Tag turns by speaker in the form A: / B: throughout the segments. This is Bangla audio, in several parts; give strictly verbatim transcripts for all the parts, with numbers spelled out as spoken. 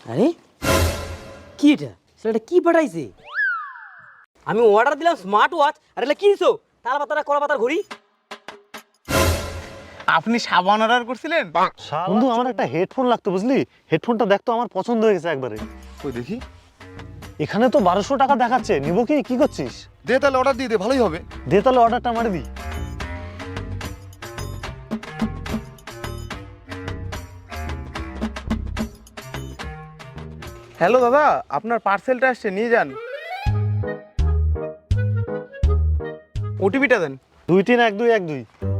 A: আরে কি এটা সেটা কি পাঠাইছে? আমি অর্ডার দিলাম স্মার্ট ওয়াচ আর এটা কি দিছো? তাল পাতারা কলা পাতার ঘড়ি।
B: আপনি সাবান অর্ডার করছিলেন?
C: বন্ধু আমার একটা হেডফোন লাগতো বুঝলি, হেডফোনটা দেখতো আমার পছন্দ হয়ে গেছে একবারে।
D: কই দেখি।
C: এখানে তো বারোশো টাকা দেখাচ্ছে, নিবো কি? কি করছিস?
D: দে তাহলে অর্ডার দিয়ে দে, ভালোই হবে।
C: দে তাহলে অর্ডারটা মারি দি।
B: হ্যালো দাদা, আপনার পার্সেলটা আসছে, নিয়ে যান। ওটিপিটা দেন।
C: দুই তিন এক দুই এক দুই।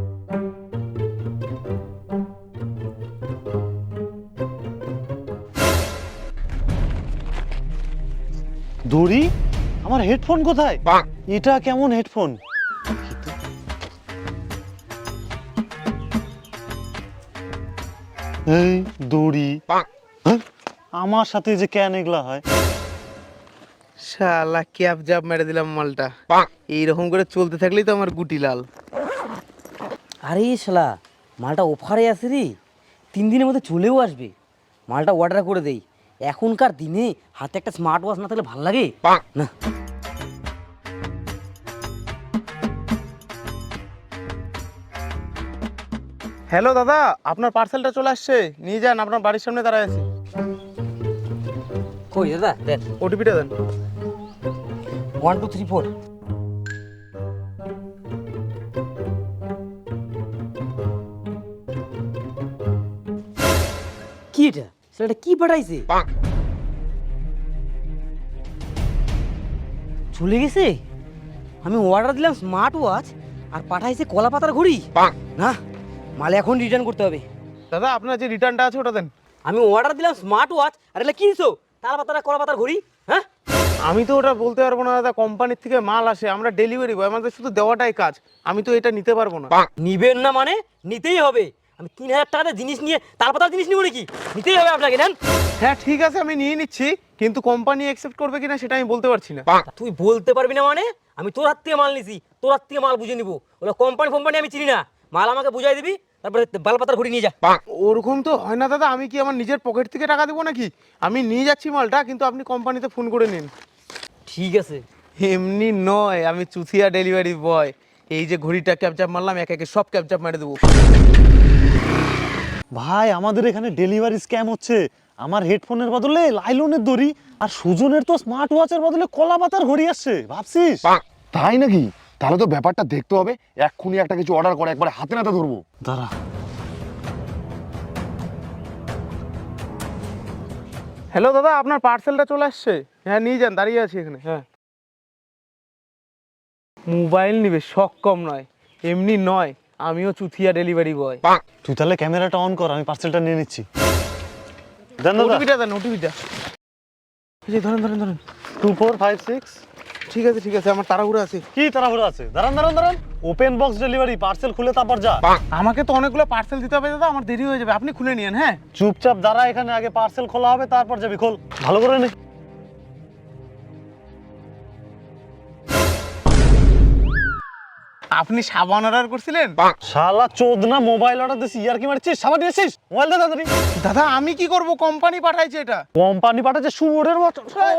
C: দড়ি, আমার হেডফোন কোথায়? এটা কেমন হেডফোন? এই দড়ি, হ্যাঁ? আমার সাথে যে কেন এগুলা হয়?
B: শালা ক্যাপ জাপ মেরে দিলাম মালটা। এইরকম করে চলতে থাকলেই তো আমার গুটি লাল।
A: আরে শালা মালটা অফারে আছে রে, তিন দিনের মধ্যে চলেও আসবে। মালটা অর্ডার করে দেই। এখনকার দিনে হাতে একটা স্মার্ট ওয়াচ না থাকলে ভালো লাগে না।
B: হ্যালো দাদা, আপনার পার্সেলটা চলে আসছে, নিয়ে যান, আপনার বাড়ির সামনে দাঁড়ায় আছি।
A: কই দাদা দেখ,
B: ওটিপিটা দেন।
A: One two three four. কি এটা সেটা কি পাঠাইছে? চলে গেছে। আমি অর্ডার দিলাম স্মার্ট ওয়াচ আর পাঠাইছে কলা পাতার ঘড়ি। না, মাল এখন রিটার্ন করতে হবে।
B: দাদা আপনার যে রিটার্নটা আছে ওটা দেন।
A: আমি অর্ডার দিলাম স্মার্ট ওয়াচ আর এটা কি দিছো? তাল পাতারা কলা পাতার ঘড়ি। হ্যাঁ,
B: আমি তো ওটা বলতে পারবো না দাদা, কোম্পানির থেকে মাল আসে, আমরা ডেলিভারি বয়, আমাদের শুধু দেওয়াটাই কাজ। আমি তো এটা নিতে পারবো না।
A: নিবেন না মানে নিতেই হবে। আমি তিন হাজার টাকাতে জিনিস নিয়ে তাল পাতার জিনিস নিব নাকি? নিতেই হবে আপনাকে। নেন।
B: হ্যাঁ ঠিক আছে, আমি নিয়ে নিচ্ছি, কিন্তু কোম্পানি অ্যাকসেপ্ট করবে কিনা সেটা আমি বলতে পারছি না।
A: তুই বলতে পারবি না মানে? আমি তোর হাত থেকে মাল নিছি, তোর হাত থেকে মাল বুঝে নিবো। ওগুলো কোম্পানি ফোম্পানি আমি চিনি না। মাল আমাকে বুঝাই দিবি, তারপরে বাল পাতার ঘড়ি নিয়ে যা।
B: ওরকম তো হয় না দাদা, আমি কি আমার নিজের পকেট থেকে টাকা দেবো নাকি? আমি নিয়ে যাচ্ছি মালটা, কিন্তু আপনি কোম্পানিতে ফোন করে নিন।
A: ঠিক আছে।
B: এমনি নয়, আমি চুথিয়া ডেলিভারি বয়। এই যে ঘড়িটা ক্যাপচাপ মারলাম, একে একে সব ক্যাপচাপ মেরে দেবো।
C: ভাই আমাদের এখানে ডেলিভারি স্ক্যাম হচ্ছে। আমার হেডফোনের বদলে লাইলনের দড়ি, আর সুজনের তো স্মার্ট ওয়াচের বদলে কলা পাতার ঘড়ি আসছে, ভাবছিস?
D: তাই নাকি? তাহলে তো ব্যাপারটা দেখতে হবে। এক্ষুনি একটা কিছু অর্ডার করে একবারে হাতে নাতে ধরবো।
C: দাঁড়া।
B: হ্যালো দাদা, আপনার পার্সেলটা চলে আসছে। হ্যাঁ নিয়ে যান, দাঁড়িয়ে আছি এখানে। হ্যাঁ, মোবাইল নিবে, শখ কম নয়। এমনি নয়, আমিও চুথিয়া ডেলিভারি বয়।
C: তুই তাহলে ক্যামেরাটা অন কর, আমি পার্সেলটা নিয়ে নিচ্ছি। দেন দাদা।
B: ওটিপিটা দেন, ওটিপিটা। এই যে ধরেন ধরেন ধরেন।
C: Two four five six.
B: ঠিক আছে ঠিক আছে, আমার তাড়াহুড়ো আছে।
C: কি তাড়াহুড়ো আছে? দাঁড়ান দাঁড়ান দাঁড়ান। ওপেন বক্স ডেলিভারি, পার্সেল খুলে তারপর যা।
B: আমাকে তো অনেকগুলো পার্সেল দিতে হবে দাদা, আমার দেরি হয়ে যাবে, আপনি খুলে নিন। হ্যাঁ
C: চুপচাপ দাঁড়া এখানে, আগে পার্সেল খোলা হবে তারপর যাবি। খোল ভালো করে নে।
B: আপনি সাবান অর্ডার করছিলেন?
C: শালা চোদনা, মোবাইল অর্ডার দিছিস, ইয়ার কি মারছিস? সাবান দিয়েছিস? মোবাইল দে তাড়াতাড়ি।
B: দাদা আমি কি করব, কোম্পানি পাঠাইছে এটা।
C: কোম্পানি পাঠাচ্ছে শুয়োরের মতো।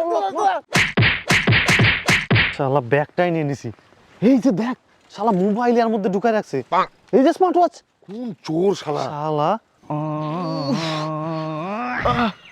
C: শালা ব্যাগটাই নিয়ে নিছি। এই যে ব্যাগ, শালা মোবাইল এর মধ্যে ঢুকায় রাখছে। এই যে স্মার্ট ওয়াচ।
D: কোন চোর শালা!
C: শালা